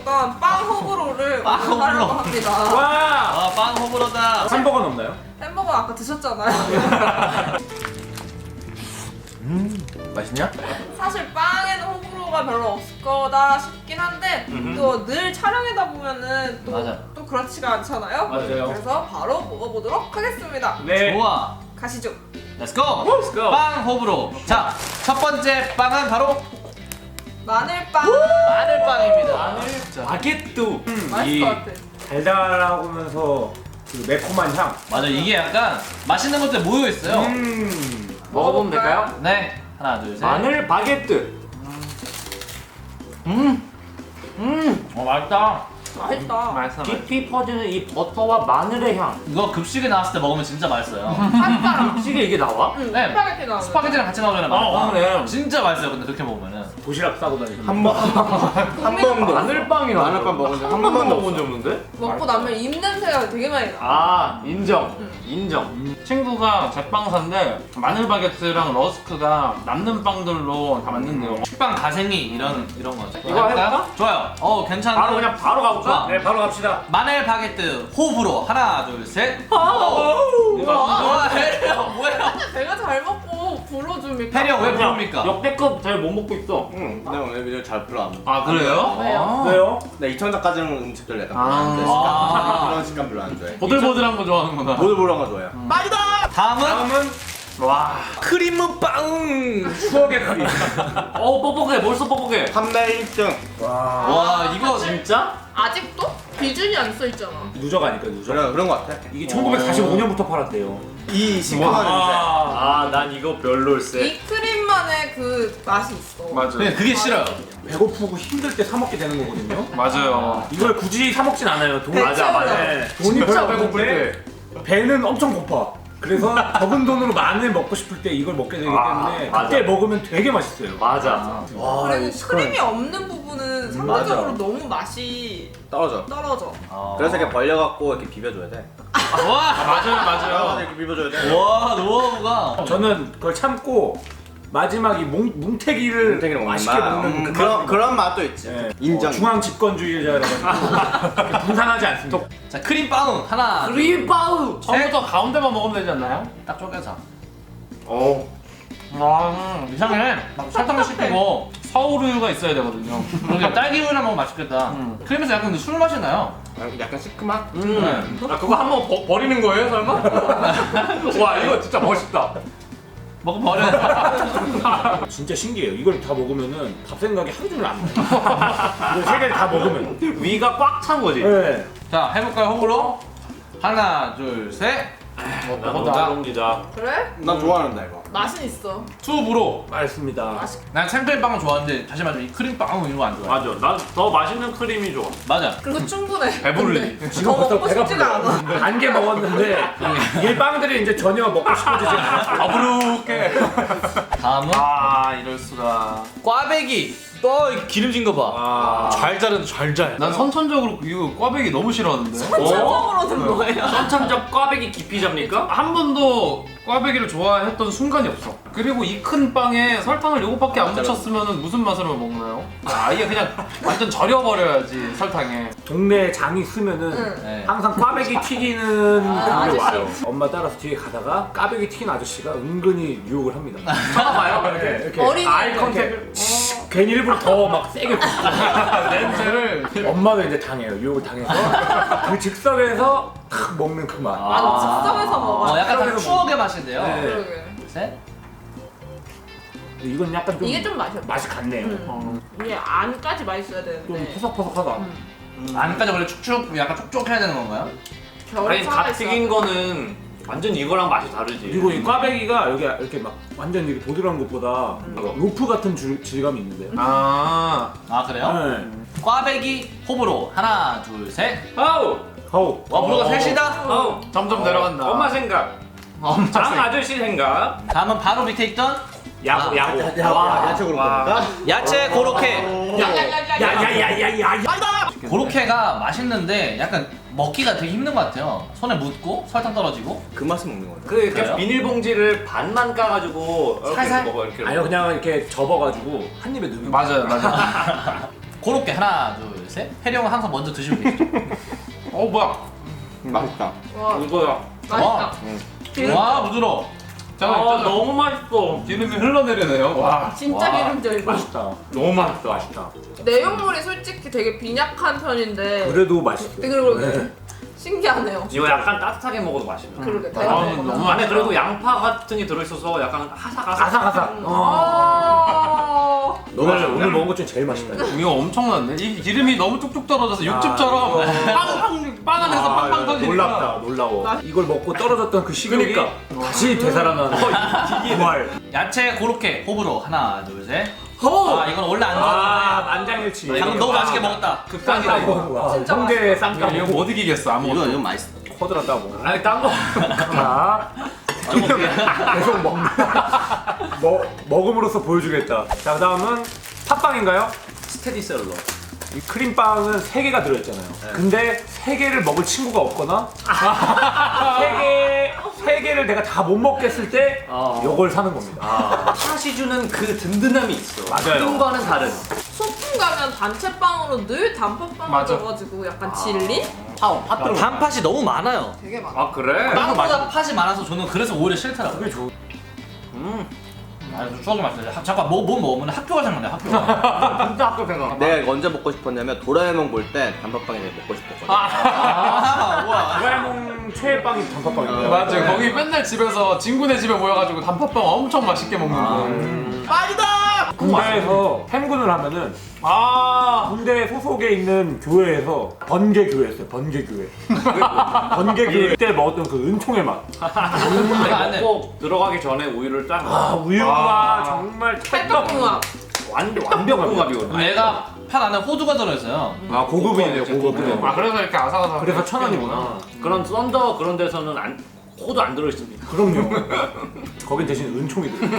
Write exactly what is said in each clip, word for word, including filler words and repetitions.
있던 빵 호불호를 빵 오늘 하려고 호불호. 합니다. 와! 아, 빵 호불호다. 햄버거는 없나요? 햄버거 아까 드셨잖아요. 음, 맛있냐? 사실 빵에는 호불호가 별로 없을 거다 싶긴 한데 또 늘 촬영하다 보면은 또, 맞아. 또 그렇지가 않잖아요. 맞아요. 그래서 바로 먹어보도록 하겠습니다. 네. 좋아. 가시죠. Let's go. Let's go. 빵 호불호. 자, 첫 번째 빵은 바로 마늘빵. 마늘빵입니다. 마늘 자, 바게트. 음, 맛있을 이 것 같아. 달달하고 면서 그 매콤한 향. 맞아. 이게 약간 맛있는 것들 모여 있어요. 음. 먹어보면 될까요? 네. 하나, 둘, 셋. 마늘 바게트. 음. 음. 어, 맛있다. 맛있다. 맛있어. 깊이 퍼지는 이 버터와 마늘의 향. 이거 급식에 나왔을 때 먹으면 진짜 맛있어요. 핫바람. 음식에 이게 나와? 응, 네. 스파게티 나오는. 스파게티랑 같이 먹으면 아, 맛있다. 그러네. 진짜 맛있어요. 근데 그렇게 먹으면은. 도시락 싸고 다니는. 한 번도 마늘빵이나 마늘빵 먹은 적 한 번도 번도 먹은 적 없는데? 먹고 나면 입 냄새가 되게 많이 나. 아 인정. 응. 인정. 친구가 제빵사인데 마늘 바게트랑 러스크가 남는 빵들로 다 만든대요. 식빵 가생이 이런 이런 거죠. 이거 해볼까? 좋아요. 어, 괜찮아. 바로 그냥 바로 가볼까? 좋아. 네, 바로 갑시다. 마늘 바게트 호불호 하나, 둘, 셋. 이거 와, 혜령 뭐야? 내가 잘 먹고 불어줍니까? 혜령 왜 그냥 부릅니까? 역대급 잘 못 먹고 있어. 응, 나 오늘 video 잘 불러 안 먹어. 아 그래요? 왜요? 왜요? 나 이천 원까지는 음식들 내가 아. 안 좋아해. 아. 식감. 그런 식감 별로 안 좋아해. 보들보들한 거 좋아하는구나. 보들보들한 거 좋아해요. 다음은 다음은 와. 크림빵. 추억의 크림. 어 뻑뻑해. 벌써 뻑뻑해. 판매 일 등. 와. 와, 이거 진짜? 아직도 비준이 안 써 있잖아. 누적 아닐까 누적. 그런 그런 거 같아. 이게 천구백사십오 년부터 팔았대요. 이 시큼한 아 난 이거 별로일세. 이 크림만의 그 맛이 있어. 맞아요. 그냥 그게 싫어요. 배고프고 힘들 때 사 먹게 되는 거거든요. 맞아요. 이걸 굳이 사 먹진 않아요. 돈 맞아 맞아. 네, 돈이 진짜 별로 배고플 없는데 배는 엄청 고파. 그래서 적은 돈으로 마늘 먹고 싶을 때 이걸 먹게 되기 아, 때문에 맞아. 그때 먹으면 되게 맛있어요. 맞아. 와, 그리고 이 크림이 없는 부분은 상대적으로 너무 맛이 떨어져. 떨어져. 그래서 이렇게 벌려갖고 이렇게 비벼줘야 돼. 와, 맞아요 맞아요. 떨어져 이렇게 비벼줘야 돼. 와, 노하우가. 저는 그걸 참고 마지막 이 뭉, 뭉태기를 뭉태기를 먹는 맛있게 맛. 먹는 음, 그 그런 맛이 그런 맛도 있지. 네. 인정. 어, 중앙 집권주의자라가지고 이렇게 분산하지 않습니다. 자, 크림빵 하나. 크림빵. 처음부터 가운데만 먹으면 되지 않나요? 딱 쪼개서. 어. 와. 이상해. 막 설탕도 씹히고. 서울우유가 있어야 되거든요. 그러니까 딸기우유랑 먹으면 맛있겠다. 음. 크림에서 약간 술 맛이 나요. 약간 시큼한. 음. 아 그거 한번 버, 버리는 거예요 설마? 와 이거 진짜 멋있다. 먹어 버려. 진짜 신기해요. 이걸 다 먹으면은 밥 생각이 하루 종일 안 나요. 이걸 세 개를 다 먹으면. 위가 꽉 찬 거지. 네. 자, 해볼까요, 호불호? 하나, 둘, 셋. 나보다 안 옮기자. 그래? 난 좋아하는다 이거. 맛은 있어. 투브로. 맛있습니다. 난 생크림빵은 좋아하는데 다시 말하면 이 크림빵은 이거 안 좋아해. 맞아. 난 더 맛있는 크림이 좋아. 맞아. 그리고 충분해. 배부르지. 근데 지금 더 벌써 먹고 배가 싶지가 않아. 불러요. 반 개 먹었는데 이 빵들이 이제 전혀 먹고 싶어지지 않아. 더부룩해. 다음은 아 이럴 수가. 꽈배기. 너 기름진 거 봐. 아. 잘 자른 잘 잘. 난 선천적으로 이거 꽈배기 너무 싫어하는데. 전적으로는 뭐예요? 선천적 꽈배기 깊이 잡니까? 한 번도 꽈배기를 좋아했던 순간이 없어. 그리고 이 큰 빵에 설탕을 요것밖에 안 묻혔으면 무슨 맛으로 먹나요? 아예 그냥 완전 절여버려야지 설탕에. 동네에 장이 쓰면은 응. 네. 항상 꽈배기 튀기는 아, 그게 아저씨. 와요. 엄마 따라서 뒤에 가다가 꽈배기 튀긴 아저씨가 은근히 유혹을 합니다. 쳐다봐요. 이렇게, 이렇게 어린이 아이 컨택을 괜히 일부러 더 막 세게 냄새를. 엄마도 이제 당해요. 유혹을 당해서 그 즉석에서 탁 먹는 그 맛. 맞아, 즉석에서 먹어야 어, 약간 다 즉석에서 추억의 맛인데요. 네. 그러게. 셋. 근데 이건 약간 좀 이게 좀 맛이 없다. 맛이 같네요. 음. 이게 안까지 맛있어야 좀 되는데. 포석포석하다. 음. 안까지 원래 축축 약간 촉촉해야 되는 건가요? 겨울에 아니 살아 갓 튀긴 있어. 거는 완전 이거랑 맛이 다르지. 그리고 이 꽈배기가 여기 이렇게 막 완전 이렇게 보드러운 것보다 막 로프 같은 줄- 질감이 있는데요. 아. 아, 그래요? 네. 꽈배기 호불호 하나, 둘, 셋. 아우. 어우. 와, 불호가 어. 셋이다. 아우. 점점 내려간다. 엄마 생각. 엄청 장 세. 아저씨 생각. 다음은 바로 밑에 있던 야구 아, 야구. 야채 그룹입니까? 야채 고로케. 야야야야야야. 고로케가 맛있는데 약간 먹기가 되게 힘든 것 같아요. 손에 묻고 설탕 떨어지고. 그 맛을 먹는 거야. 그 이렇게 그래요? 비닐봉지를 반만 까가지고 이렇게 살살? 먹어 이렇게. 아니요 그냥 이렇게 접어가지고 한 입에 넣으면 맞아요 맞아요. 그렇게 하나 둘 셋. 혜리 형은 항상 먼저 드시고 계시죠. 어 뭐야? 맛있다. 와 이거야. 맛있다. 기름- 와 부드러워. 아 잠깐 있잖아. 너무 맛있어. 기름이 흘러내리네요. 와. 진짜 와. 기름져 이거. 맛있다. 너무 맛있어. 맛있다. 내용물이 솔직히 되게 빈약한 편인데 그래도 맛있어. 그리고 네. 신기하네요. 이거 약간 따뜻하게 먹어도 맛있네. 그러게 아, 대단해. 너무 안에 그래도 양파 같은 게 들어있어서 약간 아삭아삭. 아삭아삭. 어. 아 너무 오늘, 맛있네. 오늘 먹은 것 중에 제일 맛있다. 이거 엄청난데? 이 기름이 너무 뚝뚝 떨어져서 육즙처럼 빵빵 빵 안에서 아, 빵빵 터지니까. 놀랍다, 놀라워. 이걸 먹고 떨어졌던 그 식욕이 그러니까. 다시 되살아나는 부활. 야채 고로케 호불호 하나 둘 셋. 허! 아 이건 원래 안 아, 좋아하는데 만장일치. 방금 너무 맛있게 먹었다. 극상이다 이거. 와, 진짜 홍대 이거 쌈장 못 이기겠어 아무것도. 이거 이거 맛있어. 커들었다고. 아니 딴 거. 하나. 계속 먹는다. 먹, 먹음으로써 보여주겠다. 자, 그 다음은 팥빵인가요? 스테디셀러. 이 크림빵은 세 개가 들어있잖아요. 근데 세 개를 먹을 친구가 없거나 세 개, 세 개를 내가 다 못 먹겠을 때 어. 이걸 사는 겁니다. 팥이 주는 그 든든함이 있어. 맞아요. 크림과는 다른. 소풍 가면 단체빵으로 늘 단팥빵 맞아. 넣어가지고 약간 질린? 팥, 팥 들어. 단팥이 너무 많아요. 되게 많아. 아 그래? 빵보다 팥이 많아서 저는 그래서 오히려 싫더라고요. 그게 좋. 음. 아, 추억이 맛있어요. 하- 잠깐 뭐, 뭐 먹으면 학교가 생각나요. 학교가. 진짜 학교 생각. 내가 언제 먹고 싶었냐면 도라에몽 볼 때 단팥빵이 되게 먹고 싶었거든. 아, 우와. 도라에몽 최애빵이 단팥빵인데. 맞아요. 거기 맨날 집에서 친구네 집에 모여가지고 단팥빵 엄청 맛있게 먹는 거. 음. 빵이다! 군대에서 햄군을 하면은 아. 군대 소속에 있는 교회에서 번개교회였어요. 번개교회. 번개교회 때 먹었던 그 은총의 맛. 내가 안 해. 꼭 들어가기 전에 우유를 딱. 아, 우유가 아. 정말 찰떡궁합. 완 완벽궁합이거든. 얘가 팥 안에 호두가 들어있어요. 아, 고급이네요. 고급. 아 그래서 이렇게 아삭아삭. 그래서 천 원이구나. 그런 썬더 그런 데서는 안 호두 안 들어 있습니다. 그럼요. 거긴 대신 은총이 들어.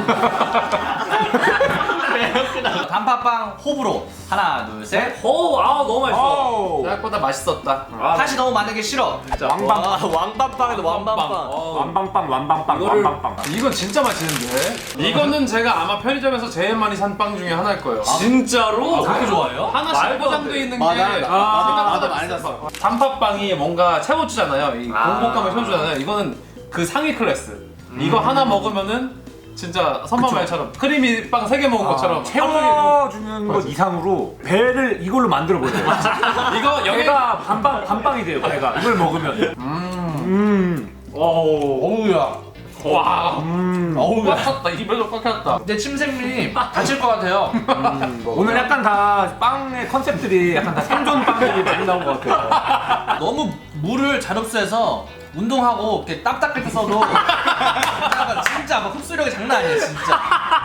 단팥빵 호불호 하나 둘 셋. 오, 아 너무 맛있어. 아우. 생각보다 맛있었다. 아, 팥이 너무 많은 게 싫어. 왕빵. 와 왕빵빵이다 왕빵빵. 어, 완방빵, 완방빵, 이거를- 완방빵. 이건 진짜 맛있는데? 이거는 제가 아마 편의점에서 제일 많이 산 빵 중에 하나일 거예요. 진짜로? 그렇게 좋아해요? 하나씩 말도 안 포장돼 돼. 있는 게 맞아. 생각보다 나도 많이 샀어. 단팥빵이 뭔가 채워주잖아요. 이 아. 공복감을 채워주잖아요. 이거는 그 상위 클래스. 이거 하나 먹으면은 진짜 선마말처럼 크리미 빵 세 개 먹은 것처럼 채워주는 것 이상으로 배를 이걸로 만들어 버려요. 이거 여기 배가 반빵, 반빵이 돼요, 배가. 이걸 먹으면. 음. 어우야. 와 음. 어우 꽉 찼다. 입에도 꽉 찼다. 내 침샘이 다칠 것 같아요. 오늘 약간 다 빵의 컨셉들이 약간 다 생존 빵들이 많이 나온 것 같아요. 너무 물을 잘 흡수해서 운동하고 이렇게 땀 닦을 때 써도 진짜, 진짜 막 흡수력이 장난 아니야 진짜.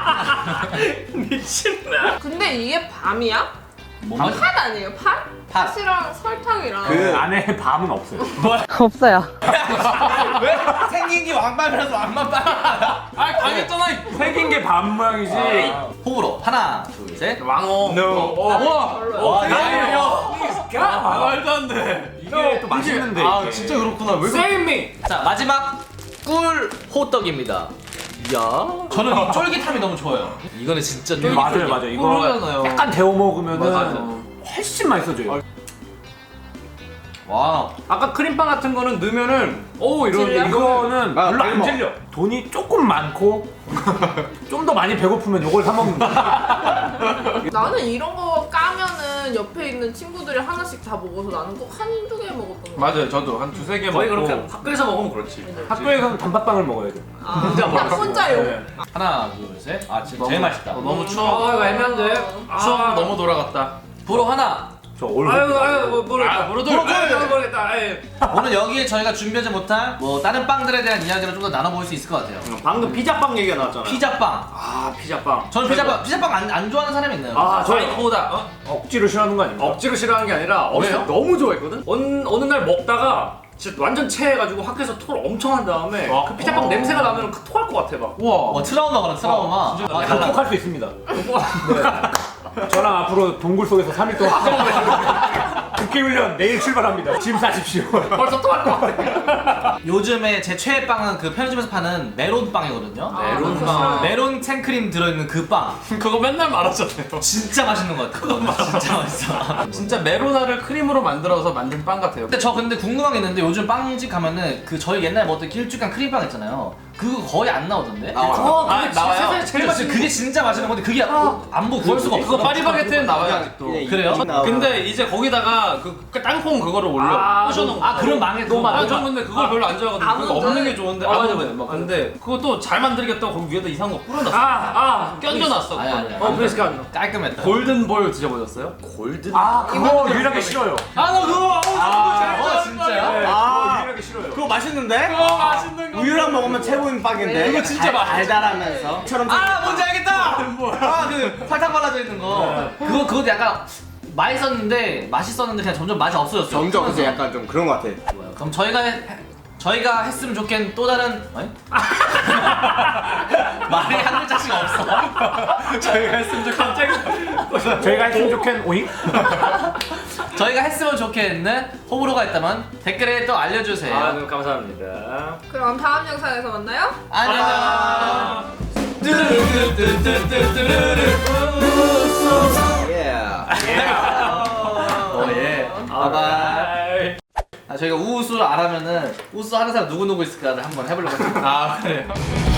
미친다. 근데 이게 밤이야? 뭔가 팥 아니에요? 팥? 팥. 팥이랑 설탕이랑 그 안에 밤은 없어요. 없어요. 왜 생긴 게 왕빵이라서 왕만빵이야? 아 당했잖아. 생긴 게 밤 모양이지. 호불호 하나 둘 셋. 왕어. No. 와. 와 아, 말도 안 돼. 이게 또 맛있는데. 아 이게. 진짜 그렇구나. 왜 그래? Save me. 자 마지막 꿀 호떡입니다. 야. 저는 이 쫄깃함이 너무 좋아요. 이거는 진짜 쫄깃. 맞아요, 맞아요. 이거 꿀이잖아요. 약간 데워 먹으면은 맞아. 훨씬 맛있어져요. 와. 아까 크림빵 같은 거는 넣으면은 오 이러는데 질려? 이거는 아, 별로 빨리 안 먹어. 질려. 돈이 조금 많고 좀 더 많이 배고프면 이걸 사 먹는 거야. 나는 이런 거 까면은 옆에 있는 친구들이 하나씩 다 먹어서 나는 꼭 한두 개 먹었던 거. 맞아요. 저도 한 두세 개 먹고. 거의 그렇게 학교에서 먹으면 그렇지. 학교에서는 단팥빵을 먹어야 돼. 아, 혼자 먹었어. 혼자요. 네. 하나 둘 셋. 아 진짜 너무- 제일 맛있다. 어, 너무 아 추억. 이거 애매한데. 추억 너무 돌아갔다. 불호 하나. 저 올. 아유 아유 뭐 모르겠다. 아, 모르도- 모르겠다. 모르겠다. 아유. 오늘 여기에 저희가 준비하지 못한 뭐 다른 빵들에 대한 이야기를 좀 더 나눠볼 수 있을 것 같아요. 방금 피자빵 얘기가 나왔잖아. 피자빵. 아 피자빵. 저는 피자빵 피자빵 안, 안 좋아하는 사람이 있나요? 아 저희 저희 코다. 어? 억지로 싫어하는 거 아닙니까? 억지로 싫어하는 게 아니라 어렸을 때 왜요? 너무 좋아했거든. 어느, 어느 날 먹다가 진짜 완전 체해가지고 학교에서 토를 엄청 한 다음에 어? 그 피자빵 어. 냄새가 나면 그 토할 것 같아 막. 우와. 와 트라우마가 트라우마. 어, 진짜 아, 달라. 극복할 수 있습니다. 네. 저랑 앞으로 동굴 속에서 삼 일 동안 국기 훈련 내일 출발합니다. 짐 싸십시오. 벌써 토할 것 같아. 요즘에 제 최애 빵은 그 편의점에서 파는 메론 빵이거든요. 아, 메론 그거 빵. 메론 생크림 들어있는 그 빵. 그거 맨날 말하잖아요. 진짜 맛있는 것 같아요. 진짜 맛있어. 진짜 메로나를 크림으로 만들어서 만든 빵 같아요. 근데 저 근데 궁금한 게 있는데 요즘 빵집 가면은 그 저희 옛날에 먹었던 길쭉한 크림빵 있잖아요. 그거 거의 안 나오던데? 나와요. 그거 아, 그게 나와요? 세상에 제일 맛있는 그게 진짜 맛있는 건데 그게 안 보고 구할 수가 없어. 그거 파리바게트는 나와요 아직도. 그냥 그래요? 이- 나와요. 근데 이제 거기다가 그 땅콩 그거를 올려 아, 부셔놓은 거. 아 그럼 망해. 너무 그거. 많아. 전 근데 그걸 별로 안 좋아하거든요. 그거 아몬드? 없는 게 좋은데 아, 맞아, 아몬드. 맞아, 맞아. 근데 그것도 잘 만들겠다고 거기 위에다 이상한 거 뿌려놨어. 아, 아, 껴줘놨어. 아니, 아니, 그거를. 아니. 어, 브레스카 안 깔끔했다. 골든볼 드셔보셨어요? 골든. 아 그거 유일하게 싫어요. 아나 그거 아, 어 진짜요? 네, 아. 그거 유일하게 싫어요. 그거 맛있는데? 그거 맛있는 거. 우유랑 먹으면 최고인 빵인데. 그거 진짜 맛있어. 달달하면서. 처럼 아 뭔지 알겠다. 아그 설탕 발라져 있는 거. 그거 그것도 약간 맛있었는데 맛있었는데 그냥 점점 맛이 없어졌어. 점점 그래서 약간 좀 그런 것 같아. 그럼 저희가 해, 저희가 했으면 좋겠는 또 다른 아니? 말이 한 글자씩 없어. 저희가 했으면 좋 갑자기 저희가 했으면 좋겠는 오잉? 저희가 했으면 좋겠는 호불호가 있다면 댓글에 또 알려주세요. 아, 네, 감사합니다. 그럼 다음 영상에서 만나요. 안녕. 예. 어 예. 바이바이. 아 저희가 우우수를 알아면은 우수 하는 사람 누구 누구 있을까를 한번 해보려고 했어요. 아 그래요?